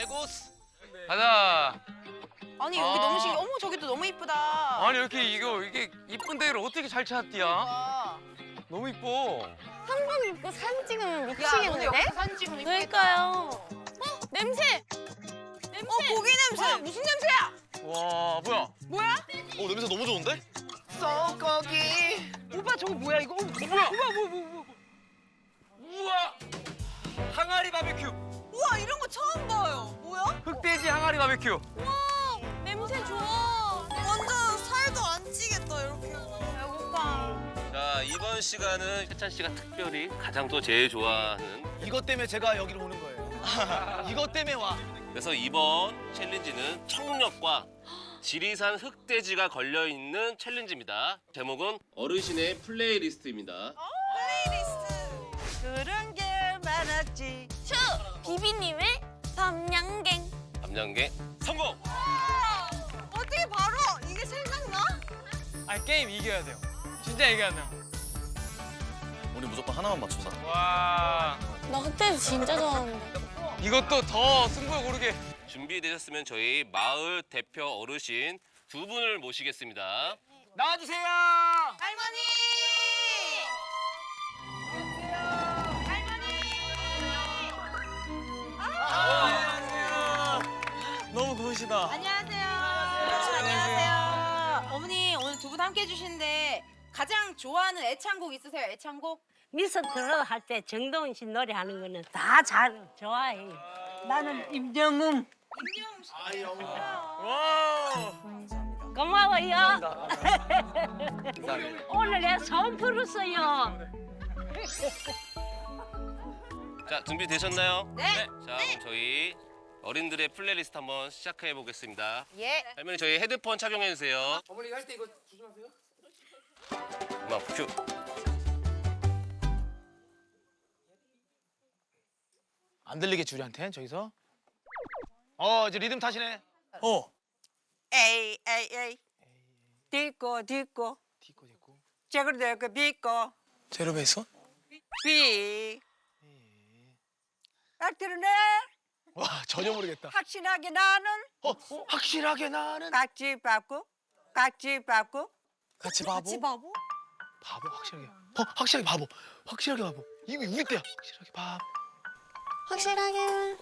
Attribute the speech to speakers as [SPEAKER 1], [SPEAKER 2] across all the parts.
[SPEAKER 1] 레고스.
[SPEAKER 2] 가자.
[SPEAKER 3] 아니 여기 너무 신기해. 어머 저기도 너무 이쁘다.
[SPEAKER 2] 아니 이렇게 이게 이쁜 데를 어떻게 잘 찾았디야?
[SPEAKER 3] 와.
[SPEAKER 2] 너무 이뻐.
[SPEAKER 4] 한번 입고 사진 찍으면
[SPEAKER 3] 야 너네
[SPEAKER 4] 미치겠는데?
[SPEAKER 3] 여기서 사진 찍으면 이쁘겠다.
[SPEAKER 4] 그러니까요. 냄새!
[SPEAKER 3] 고기 냄새. 무슨 냄새야?
[SPEAKER 2] 와 뭐야?
[SPEAKER 3] 뭐야?
[SPEAKER 1] 냄새 너무 좋은데?
[SPEAKER 3] 소고기. 오빠 저거 뭐야 이거?
[SPEAKER 2] 뭐야? 우와! 항아리 바베큐.
[SPEAKER 3] 우와 이런 거 처음 봐요. 뭐야?
[SPEAKER 2] 흑돼지 항아리 바베큐.
[SPEAKER 4] 냄새 좋아.
[SPEAKER 3] 완전 살도 안 찌겠다 이렇게. 배고파.
[SPEAKER 1] 자, 이번 시간은
[SPEAKER 5] 세찬 씨가 특별히 가장 또 제일 좋아하는
[SPEAKER 6] 이것 때문에 제가 여기로 오는 거예요. 이것 때문에 와.
[SPEAKER 5] 그래서 이번 챌린지는 청력과 지리산 흑돼지가 걸려있는 챌린지입니다. 제목은 어르신의 플레이리스트입니다.
[SPEAKER 3] 플레이리스트. 그런 게 많았지.
[SPEAKER 4] 슈! 비비님의 밤양갱.
[SPEAKER 5] 밤양갱 성공!
[SPEAKER 3] 어떻게 바로 이게 생각나?
[SPEAKER 2] 아니 게임 이겨야 돼요. 진짜 이겨야 돼요.
[SPEAKER 1] 우리 무조건 하나만 맞춰서.
[SPEAKER 2] 와.
[SPEAKER 4] 나 흑돼지 진짜 좋아하는데.
[SPEAKER 2] 이것도 더 승부를 고르게.
[SPEAKER 5] 준비되셨으면 저희 마을 대표 어르신 두 분을 모시겠습니다.
[SPEAKER 6] 나와주세요.
[SPEAKER 3] 할머니.
[SPEAKER 6] 너무 고우시다.
[SPEAKER 3] 안녕하세요. 안녕하세요. 어머니 오늘 두 분 함께 해주시는데 가장 좋아하는 애창곡 있으세요? 애창곡?
[SPEAKER 7] 미스트로 할 때 정동원 씨 노래하는 거는 다 잘 좋아해. 나는 임정웅.
[SPEAKER 3] 임영웅 씨.
[SPEAKER 2] 와.
[SPEAKER 7] 고마워요. 오늘 내 소원 풀었어요.
[SPEAKER 5] 자, 준비되셨나요?
[SPEAKER 3] 네.
[SPEAKER 5] 자, 그럼 저희 어린들의 플레이리스트 한번 시작해 보겠습니다.
[SPEAKER 3] 예.
[SPEAKER 5] 할머니 저희 헤드폰 착용해 주세요.
[SPEAKER 2] 어머니 할 때 이거 조심하세요.
[SPEAKER 5] 음악 큐.
[SPEAKER 6] 안 들리게 줄이한테 저기서. 이제 리듬 타시네.
[SPEAKER 8] 에이 에이 에이 딛고 딛고
[SPEAKER 6] 디코 디코.
[SPEAKER 8] 저그대고 빗고
[SPEAKER 6] 제로 베이스.
[SPEAKER 8] 비 앞뒤로네
[SPEAKER 6] 와 전혀 모르겠다.
[SPEAKER 8] 확실하게 나는
[SPEAKER 6] 확실하게 나는
[SPEAKER 8] 각지 밟고 각지 밟고
[SPEAKER 6] 같이 바보.
[SPEAKER 3] 바보?
[SPEAKER 6] 바보 확실하게. 확실하게 바보. 확실하게 바보. 이거 우리 때야. 확실하게 바보.
[SPEAKER 4] 확실하게.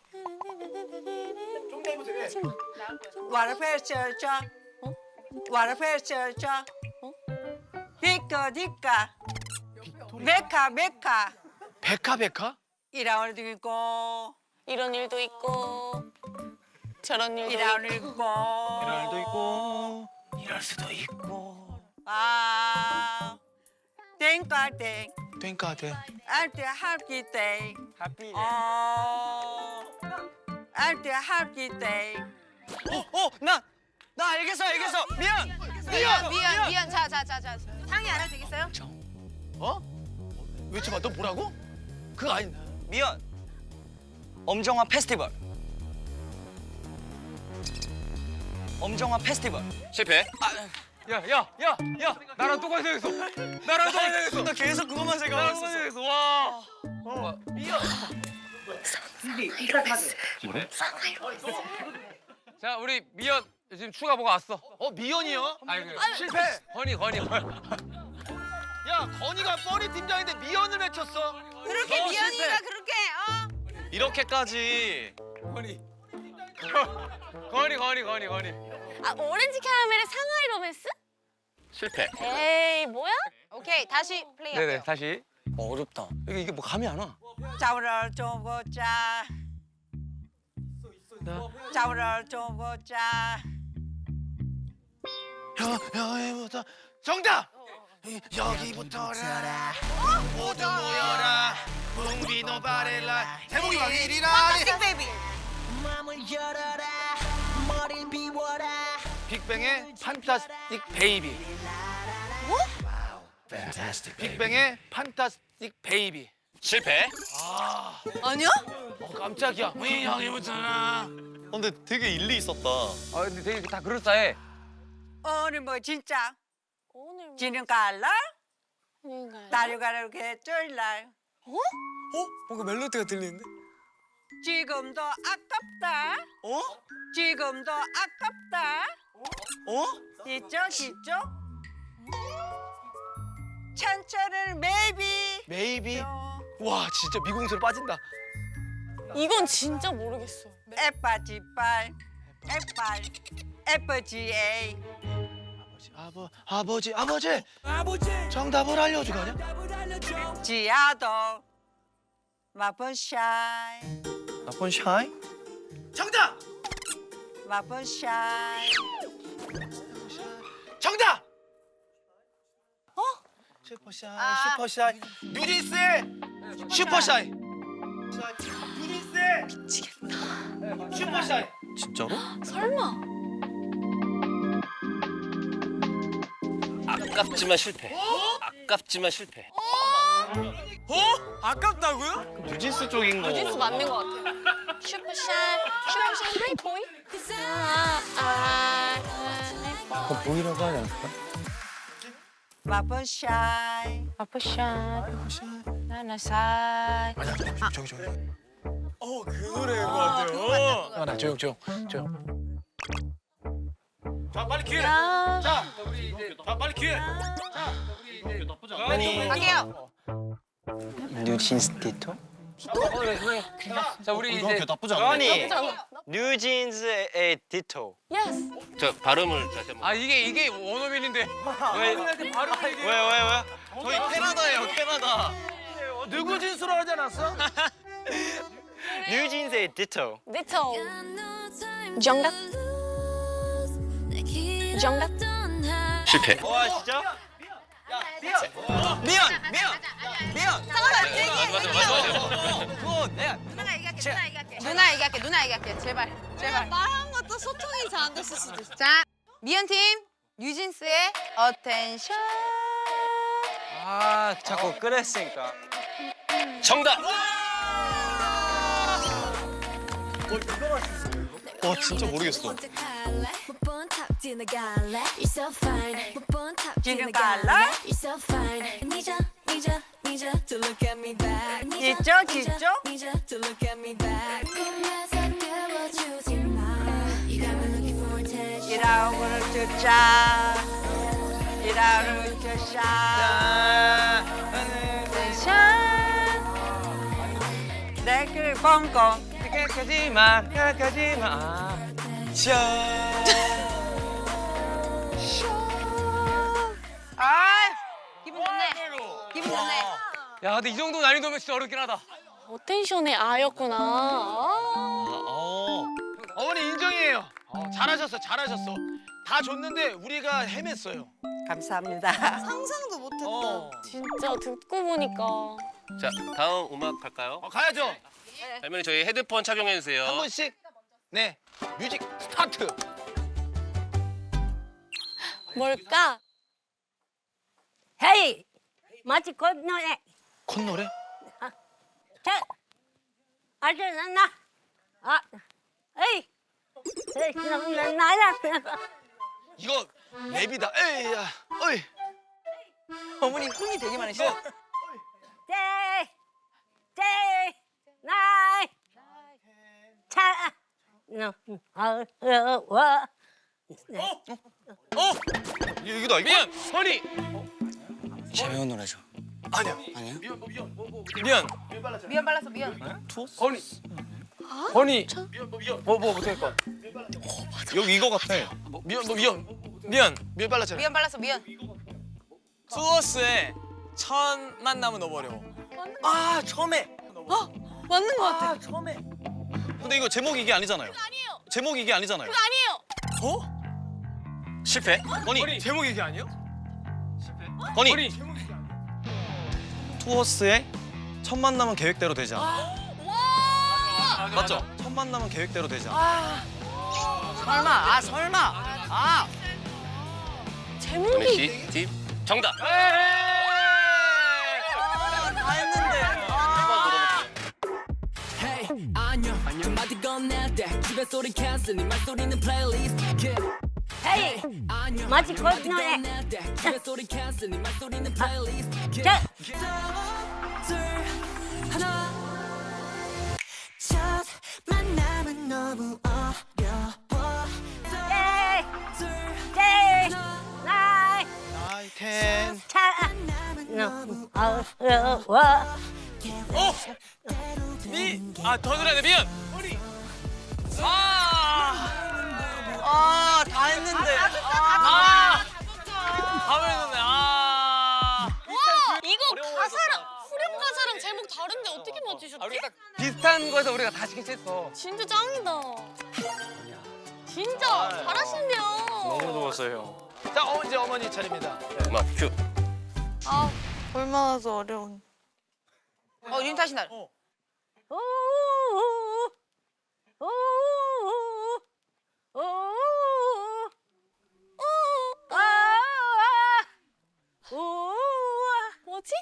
[SPEAKER 8] 와라 패셔져 와라 패셔져 빗고 딛까 메카 메카
[SPEAKER 6] 백화.
[SPEAKER 8] 이라운드 있고
[SPEAKER 4] 이런 일도 있고 저런 일도
[SPEAKER 8] 이라운드
[SPEAKER 4] 있고.
[SPEAKER 8] 있고
[SPEAKER 6] 이럴도 있고 이럴 수도 있고.
[SPEAKER 8] 아 땡까땡
[SPEAKER 6] 땡까대.
[SPEAKER 8] 알때 하기 땡
[SPEAKER 2] 하피.
[SPEAKER 8] 알때 하기 땡
[SPEAKER 6] 나 알겠어. 미안.
[SPEAKER 3] 미안. 자. 상의 안 해도 되겠어요?
[SPEAKER 6] 외쳐봐. 너 뭐라고? 그거 아닌데.
[SPEAKER 9] 미연 엄정화 페스티벌 엄정화 페스티벌
[SPEAKER 5] 실패.
[SPEAKER 2] 야. 나랑 똑같이 생겼어. 나랑 똑같이 생겼어.
[SPEAKER 9] 나 계속 그것만
[SPEAKER 2] 나랑
[SPEAKER 9] 생각하고
[SPEAKER 2] 똑같이
[SPEAKER 9] 있었어.
[SPEAKER 2] 생겼어. 와. 자 우리 미연 지금 추가 뭐가 왔어.
[SPEAKER 6] 미연이요?
[SPEAKER 2] 아니 그
[SPEAKER 6] 실패.
[SPEAKER 2] 건이.
[SPEAKER 6] 야 건이가 뻔히 팀장인데 미연을 외쳤어.
[SPEAKER 3] 그렇게 미연이가 그렇게
[SPEAKER 9] 이렇게까지
[SPEAKER 2] 건이.
[SPEAKER 4] 아, 오렌지 캐러멜의 상하이 로맨스?
[SPEAKER 5] 실패.
[SPEAKER 4] 에이, 뭐야?
[SPEAKER 3] 오케이 다시 플레이할게요.
[SPEAKER 2] 네네 다시.
[SPEAKER 9] 어렵다. 이게 뭐 감이 안 와.
[SPEAKER 8] 자우를 좀 보자 자우를 좀 보자
[SPEAKER 6] 여기부터 정답. 여기부터라. 모두 모여라. 뭉비노 바렐라. 제목이 왕일이라.
[SPEAKER 3] 판타스틱 베이비.
[SPEAKER 6] 빅뱅의 판타스틱 베이비. 빅뱅의 판타스틱 베이비.
[SPEAKER 5] 실패.
[SPEAKER 3] 아니야?
[SPEAKER 6] 깜짝이야. 여기부터라.
[SPEAKER 1] 근데 되게 일리 있었다.
[SPEAKER 2] 아 근데 되게 다 그럴싸해.
[SPEAKER 8] 오늘 뭐 진짜
[SPEAKER 4] 오늘 뭐
[SPEAKER 8] 지는 갈라
[SPEAKER 4] 인가요?
[SPEAKER 8] 다리가라 이렇게 쫄라
[SPEAKER 9] 뭔가 멜로디가 들리는데?
[SPEAKER 8] 지금도 아깝다.
[SPEAKER 9] 어?
[SPEAKER 8] 지금도 아깝다.
[SPEAKER 9] 어?
[SPEAKER 8] 있죠? 천천히 메이비.
[SPEAKER 6] 메이비. 와 진짜 미궁으로 빠진다.
[SPEAKER 4] 이건 진짜 모르겠어.
[SPEAKER 8] 에빠지빨 에빨 에빠지에
[SPEAKER 6] 아버지. 정답을 알려주거냐?
[SPEAKER 8] 지하도 마포샤이
[SPEAKER 6] 나쁜 샤이. 정답.
[SPEAKER 8] 마포샤이
[SPEAKER 6] 정답. 슈퍼샤이. 뉴진스의 슈퍼샤이. 뉴진스의 슈퍼샤이.
[SPEAKER 1] 진짜로?
[SPEAKER 4] 설마.
[SPEAKER 5] 아깝지만 실패. 아깝지만 실패.
[SPEAKER 9] 아깝다고요?
[SPEAKER 1] 뉴진스 쪽인 거.
[SPEAKER 4] 뉴진스 맞는 것 같아요. 슈퍼샤이 하이보이.
[SPEAKER 9] 그거 보이라고 하지 않을까?
[SPEAKER 8] 마포샤이
[SPEAKER 4] 아프샤 나나사이.
[SPEAKER 6] 저기.
[SPEAKER 9] 그 노래인 것 같아요.
[SPEAKER 6] 나 조용.
[SPEAKER 1] 자 빨리 기회.
[SPEAKER 4] 야.
[SPEAKER 1] 자 빨리 기회.
[SPEAKER 6] 아니
[SPEAKER 3] 갈게요.
[SPEAKER 9] 뉴진스 디토?
[SPEAKER 2] 자 우리
[SPEAKER 1] 이거
[SPEAKER 2] 이제
[SPEAKER 1] 나쁘지 않네.
[SPEAKER 9] 아니 뉴진스의 디토.
[SPEAKER 4] 예스.
[SPEAKER 5] 저 발음을 다시 한번.
[SPEAKER 2] 아 이게 원어민인데.
[SPEAKER 9] 왜? 왜?
[SPEAKER 1] 저희 캐나다예요 캐나다.
[SPEAKER 6] 누구 진수로 하지 않았어?
[SPEAKER 9] 뉴진스의 디토.
[SPEAKER 4] 리토. 정답. 정답.
[SPEAKER 5] 실패.
[SPEAKER 9] 와 진짜? 미연.
[SPEAKER 5] 맞아.
[SPEAKER 9] 그거 내가
[SPEAKER 3] 누나 얘기할게. 제발.
[SPEAKER 4] 말한 것도 소통이 잘 안 됐을 수도 있어.
[SPEAKER 3] 자, 미연 팀 뉴진스의 어텐션.
[SPEAKER 9] 아 자꾸 그랬으니까.
[SPEAKER 5] 정답.
[SPEAKER 1] 와 진짜 모르겠어.
[SPEAKER 8] 지금 갈라? 있죠? 이라고를 주자 이라고를 주자 내글 뻥뻥
[SPEAKER 9] 가지마.
[SPEAKER 3] 아, 기분 좋네.
[SPEAKER 2] 야 근데 이 정도 난이도면 진짜 어렵긴 하다.
[SPEAKER 4] 어텐션의 아였구나.
[SPEAKER 6] 어머니 인정이에요. 잘하셨어. 다 줬는데 우리가 헤맸어요.
[SPEAKER 8] 감사합니다.
[SPEAKER 4] 상상도 못했다. 진짜 듣고 보니까.
[SPEAKER 5] 자 다음 음악 갈까요?
[SPEAKER 6] 가야죠.
[SPEAKER 5] 할머니 저희 헤드폰 착용해 주세요.
[SPEAKER 6] 한 번씩. 네. 뮤직 스타트.
[SPEAKER 4] 뭘까?
[SPEAKER 7] 헤이 마치 콧노래.
[SPEAKER 6] 콧노래?
[SPEAKER 7] 자 알잖아. 에이 나야.
[SPEAKER 6] 이거 랩이다. 에이야. 어이.
[SPEAKER 9] 어머니 흥이 되게 많으시죠?
[SPEAKER 7] 제이 나이 차 어려워.
[SPEAKER 1] 이거다 이거.
[SPEAKER 2] 미연, 허니.
[SPEAKER 9] 재현 노래죠.
[SPEAKER 6] 아니야.
[SPEAKER 9] 아니야?
[SPEAKER 2] 미연,
[SPEAKER 3] 미연 발랐어, 미연.
[SPEAKER 2] 허니. 허니.
[SPEAKER 6] 뭐 못할까?
[SPEAKER 1] 여기 이거 같아.
[SPEAKER 2] 미연.
[SPEAKER 6] 미연 발랐잖아.
[SPEAKER 3] 미연 발랐어, 미연.
[SPEAKER 2] 투어스의 첫 만남은 너무 어려워.
[SPEAKER 9] 아 처음에.
[SPEAKER 4] 맞는 것 같아.
[SPEAKER 9] 처음에.
[SPEAKER 1] 근데 이거 제목이 이게 아니잖아요.
[SPEAKER 4] 아니에요.
[SPEAKER 1] 제목이 이게 아니잖아요.
[SPEAKER 4] 그거 아니에요.
[SPEAKER 1] 실패?
[SPEAKER 2] 허니. 제목이 이게 아니에요?
[SPEAKER 1] 허니.
[SPEAKER 2] 허니.
[SPEAKER 1] 투어스의 첫 만남은 계획대로 되지 않아.
[SPEAKER 4] 와.
[SPEAKER 1] 맞죠? 첫 만남은 계획대로 되지 않아.
[SPEAKER 9] 설마.
[SPEAKER 4] 제목이.
[SPEAKER 5] 허니 씨, 딥. 정답.
[SPEAKER 9] 다 했는데.
[SPEAKER 10] 안녕 한마디 건넬 때 집에 소리 캔슬 말 소리는 플레이리스트
[SPEAKER 7] 헤이 마치 콧노래.
[SPEAKER 10] 집에 소리 캔슬 말 소리는 플레이리스트
[SPEAKER 7] 자
[SPEAKER 10] 둘 하나 첫
[SPEAKER 6] 나이 텐.
[SPEAKER 2] 더 들어야 돼 미연.
[SPEAKER 9] 다 했는데.
[SPEAKER 2] 가버렸네.
[SPEAKER 4] 이거 가사랑 후렴 가사랑 제목 다른데 어떻게 맞추셨지?
[SPEAKER 2] 우리 딱 비슷한 거에서 우리가 다 시켰어.
[SPEAKER 4] 진짜 짱이다. 진짜 잘하신대요.
[SPEAKER 1] 너무 좋았어요.
[SPEAKER 6] 자, 이제 어머니 차례입니다.
[SPEAKER 5] 음악 큐.
[SPEAKER 4] 아 얼마나 더 어려운.
[SPEAKER 3] 윤 다시 날.
[SPEAKER 4] 뭐지?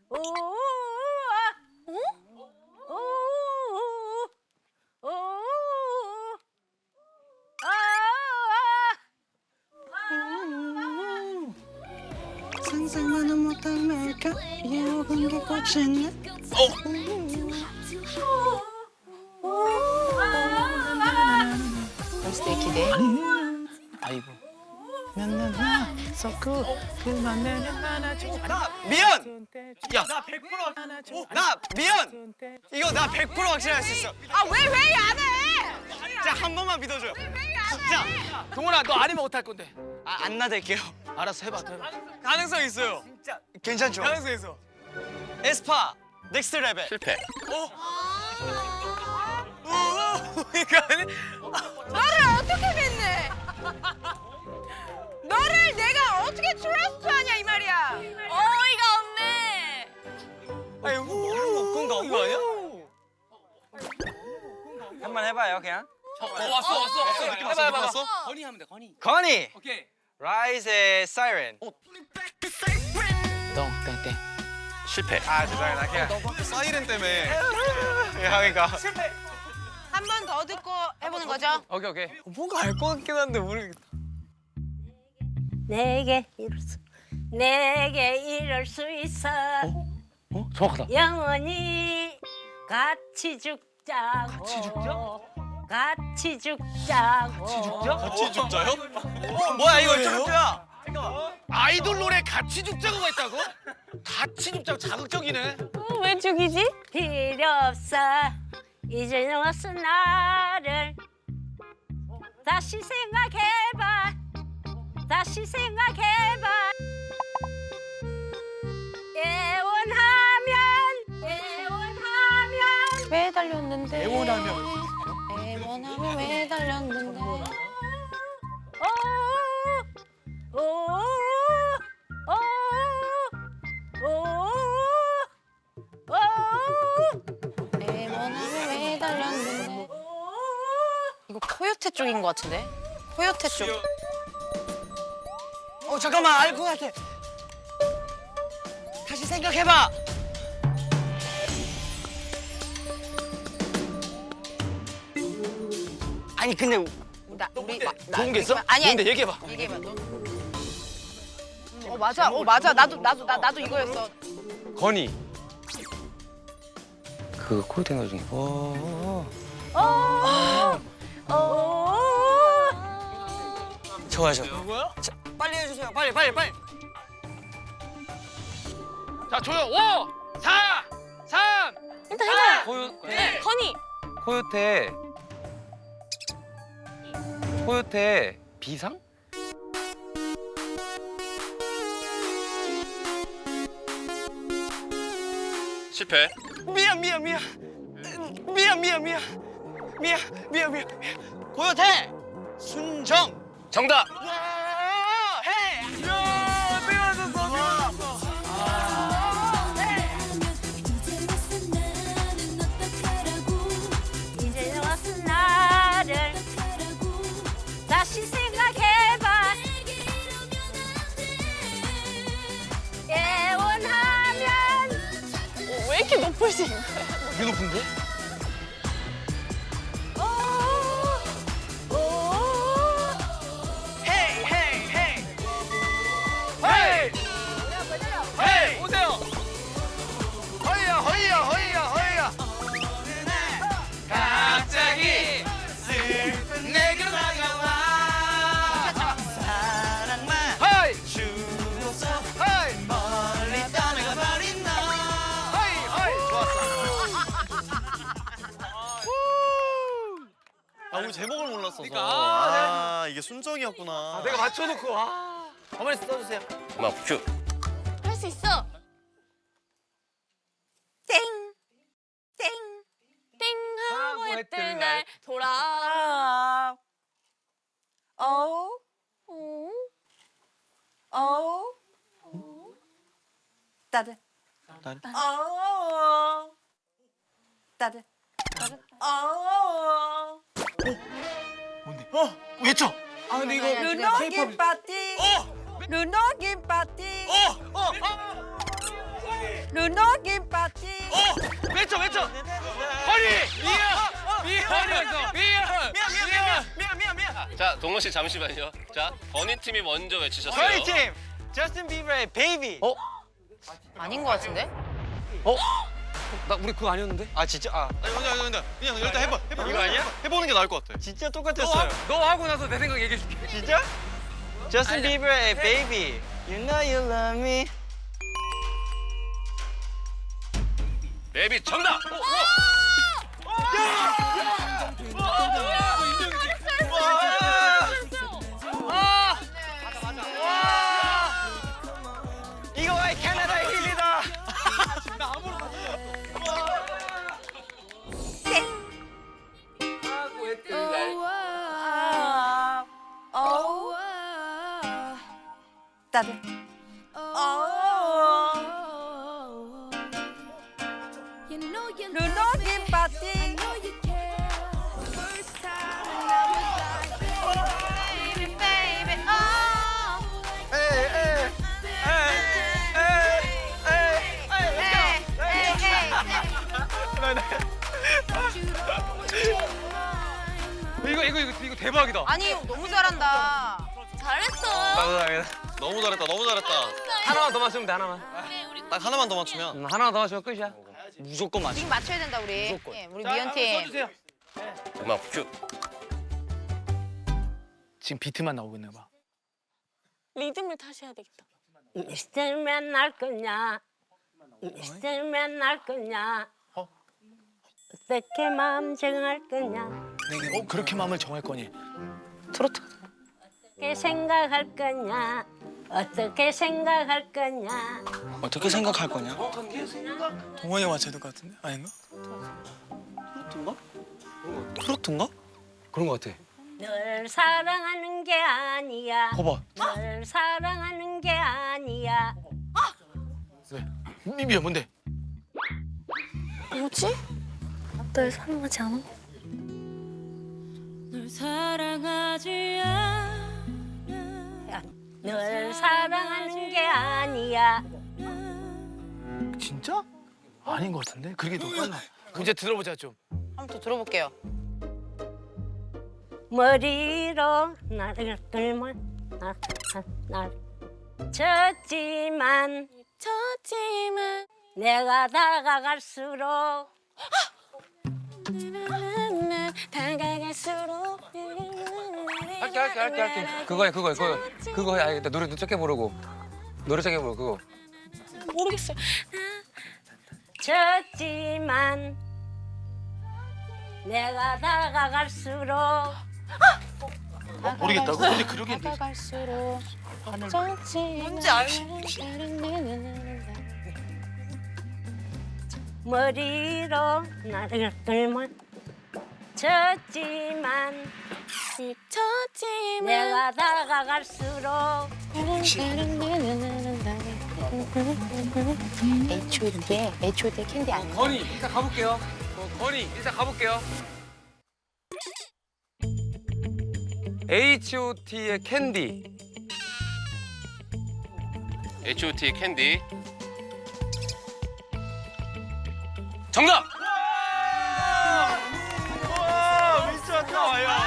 [SPEAKER 9] 상상만은 못한 날까 예고한 게 꽃이네.
[SPEAKER 3] 벌스데이 기대.
[SPEAKER 6] 아이고. 나나나 서크 그만 내는 나나줘.
[SPEAKER 1] 미연!
[SPEAKER 6] 야,
[SPEAKER 1] 나 미연! 이거 나 100% 확실할 수 있어.
[SPEAKER 3] 왜 안 해?
[SPEAKER 1] 진짜 한 번만 믿어줘요. 진짜.
[SPEAKER 6] 동훈아, 너 아니면 어떡할 건데?
[SPEAKER 1] 안 나댈게요.
[SPEAKER 6] 알았어, 해봐.
[SPEAKER 1] 가능성 있어요. 진짜. 괜찮죠? 가능성 있어. 에스파 넥스트 레벨.
[SPEAKER 5] 실패.
[SPEAKER 3] 너를 어떻게 믿네? 너를 내가 어떻게 트러스트하냐 이 말이야.
[SPEAKER 4] 어이가 없네.
[SPEAKER 1] 아니 뭔가 이거 아니야?
[SPEAKER 9] 한번 해봐요 그냥.
[SPEAKER 2] 왔어.
[SPEAKER 1] 해봐.
[SPEAKER 2] 건이 하면 돼 건이.
[SPEAKER 9] 건이.
[SPEAKER 2] 오케이.
[SPEAKER 9] 라이즈의 사이렌.
[SPEAKER 6] 땡땡.
[SPEAKER 5] 실패.
[SPEAKER 9] 죄송합니다. 그냥.
[SPEAKER 1] 사이렌 때문에. 그러니까.
[SPEAKER 3] 한 번 더 듣고 해보는 거죠?
[SPEAKER 2] 오케이.
[SPEAKER 1] 뭔가 알 것 같긴 한데 모르겠다.
[SPEAKER 7] 내게 이럴 수 있어.
[SPEAKER 6] 정확하다.
[SPEAKER 7] 영원히 같이 죽자고. 같이 죽자고.
[SPEAKER 1] 같이 죽자요?
[SPEAKER 9] 뭐야 이거 쭈쭈야.
[SPEAKER 6] 아이돌 노래 같이 죽자고가 있다고? 같이 죽자고 자극적이네.
[SPEAKER 4] 왜 죽이지?
[SPEAKER 7] 필요 없어. 이제 왔어 나를 다시 생각해봐. 다시 생각해봐. 애원하면
[SPEAKER 4] 왜 달렸는데?
[SPEAKER 6] 애원하면.
[SPEAKER 4] 애원하면 왜 달렸는데? 애원하면 왜 달렸는데? 이거 코요테 쪽인 것 같은데? 코요테 쪽.
[SPEAKER 9] 잠깐만 알 것 같아. 다시 생각해봐. 아니 근데
[SPEAKER 6] 좋은 게 있어?
[SPEAKER 3] 아니,
[SPEAKER 6] 뭔데 얘기해봐.
[SPEAKER 3] 얘기해봐. 맞아. 나도 이거였어.
[SPEAKER 9] 건이. 그 코요테 가수 중에. 좋아요.
[SPEAKER 1] 누구야?
[SPEAKER 9] 빨리 해주세요. 빨리.
[SPEAKER 6] 자, 조용. 5, 4, 3.
[SPEAKER 4] 일단 해봐요.
[SPEAKER 5] 코요테.
[SPEAKER 4] 건이.
[SPEAKER 9] 코요테 비상?
[SPEAKER 5] 실패.
[SPEAKER 1] 미안.
[SPEAKER 9] 코요테 순정.
[SPEAKER 5] 정답.
[SPEAKER 7] 이제 왔어 나를 다시 생각해봐. 애원하면
[SPEAKER 4] 왜 이렇게 높으신 거야?
[SPEAKER 6] 되게 높은데?
[SPEAKER 1] 헤이 너무 제목을 몰랐어서.
[SPEAKER 2] 그러니까.
[SPEAKER 1] 이게 순정이었구나.
[SPEAKER 2] 내가 맞춰놓고
[SPEAKER 6] 어머니 써주세요.
[SPEAKER 5] 음악 큐.
[SPEAKER 4] 할 수 있어.
[SPEAKER 8] 땡. 땡.
[SPEAKER 4] 땡 하고
[SPEAKER 2] 하고
[SPEAKER 4] 했던
[SPEAKER 2] 했던
[SPEAKER 4] 날
[SPEAKER 2] 날
[SPEAKER 4] 돌아.
[SPEAKER 8] 어. 어. 따뜻.
[SPEAKER 1] 따뜻.
[SPEAKER 8] 어. 따뜻. 어.
[SPEAKER 6] 뭔데? 외쳐.
[SPEAKER 2] 아 근데 이거
[SPEAKER 8] 루노긴 파티. 루노긴 파티. 루노긴 파티.
[SPEAKER 2] 외쳐 허리 미안
[SPEAKER 5] 자, 동원 씨 잠시만요. 자, 버니 팀이 먼저 외치셨어요.
[SPEAKER 1] 저희 팀 저스틴 비버의 베이비.
[SPEAKER 4] 아닌 것 같은데?
[SPEAKER 2] 나 우리 그거 아니었는데?
[SPEAKER 1] 아 진짜? 그냥 일단 해봐. 이거 아니야? 해보는 게 나을 것 같아. 진짜 똑같았어요.
[SPEAKER 2] 너 하고 나서 내 생각 얘기해줄게.
[SPEAKER 1] 진짜? 저스틴 비버의 베이비. You know you love me.
[SPEAKER 5] 베이비 정답.
[SPEAKER 1] 이거 왜 캐나다의 힐이다.
[SPEAKER 8] 따뜻. 루노긴 파티.
[SPEAKER 2] 이거 대박이다.
[SPEAKER 4] 아니 너무 잘한다. 잘했어.
[SPEAKER 1] 너무 잘했다.
[SPEAKER 2] 하나만 더 맞추면 돼 하나만.
[SPEAKER 1] 딱 하나만 더 맞추면
[SPEAKER 2] 하나만 더 맞추면 끝이야.
[SPEAKER 1] 무조건 맞춰.
[SPEAKER 4] 지금 맞춰야 된다 우리. 예, 우리 미연 팀.
[SPEAKER 5] 음악 큐.
[SPEAKER 6] 지금 비트만 나오고 있나 봐.
[SPEAKER 4] 리듬을 다시 해야 되겠다.
[SPEAKER 7] 있으면 날 거냐? 있으면 날 거냐? 어떻게 마음 정할 거냐?
[SPEAKER 6] 내가 그렇게 마음을 정할 거니?
[SPEAKER 4] 트로트.
[SPEAKER 7] 어떻게 생각할 거냐? 어떻게 생각할 거냐?
[SPEAKER 9] 어떻게 생각할 거냐?
[SPEAKER 1] 동원이가 맞춰야 될 것 같은데? 아닌가? 트로트인가?
[SPEAKER 2] 그런 거 같아.
[SPEAKER 7] 널 사랑하는 게 아니야.
[SPEAKER 1] 봐봐.
[SPEAKER 7] 널 사랑하는 게 아니야.
[SPEAKER 6] 미미야 뭔데?
[SPEAKER 4] 뭐지? 널 사랑하지 않아? 널 사랑하지 않아.
[SPEAKER 7] 널 사랑하는 게 아니야.
[SPEAKER 6] 진짜? 아닌 것 같은데? 그게 더 빨라. 그럼 이제 들어보자 좀.
[SPEAKER 4] 한번 더 들어볼게요.
[SPEAKER 7] 머리로 나를 끌면 날 쳤지만 내가 다가갈수록
[SPEAKER 4] 다가갈수록
[SPEAKER 2] 할게. 그거야. 그거 해. 알겠다. 노래 짧게 부르고. 그거.
[SPEAKER 4] 모르겠어요.
[SPEAKER 7] 쳤지만 내가 다가갈수록
[SPEAKER 6] 모르겠다고? 근데 그러게
[SPEAKER 4] 다가갈수록
[SPEAKER 8] 뭔지 알지?
[SPEAKER 7] 머리로 나를 끌면 쳤지만 내가 다가갈수록
[SPEAKER 4] H.O.T.의 캔디 아니야?
[SPEAKER 2] 건이 일단 가볼게요. 건이 일단 가볼게요. H.O.T의 캔디.
[SPEAKER 5] H.O.T 캔디. 정답.
[SPEAKER 1] 미쳤다. 야.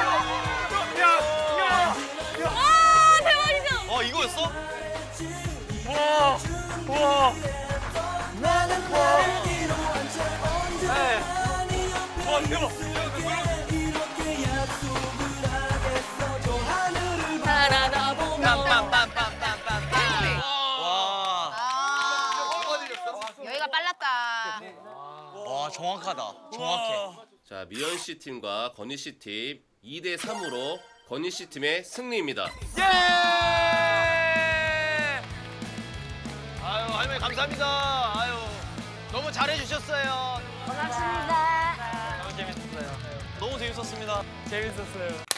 [SPEAKER 4] 대박이죠?
[SPEAKER 1] 이거였어?
[SPEAKER 2] 우와. 대박.
[SPEAKER 4] 여기가 빨랐다.
[SPEAKER 1] 와 정확하다. 정확해.
[SPEAKER 5] 자, 미연 씨 팀과 건희 씨 팀 2대 3으로 건희 씨 팀의 승리입니다.
[SPEAKER 1] 예! 아유 할머니 감사합니다. 아유 너무 잘해주셨어요.
[SPEAKER 8] 고맙습니다.
[SPEAKER 1] 너무 재밌었어요. 너무 재밌었습니다. 재밌었어요.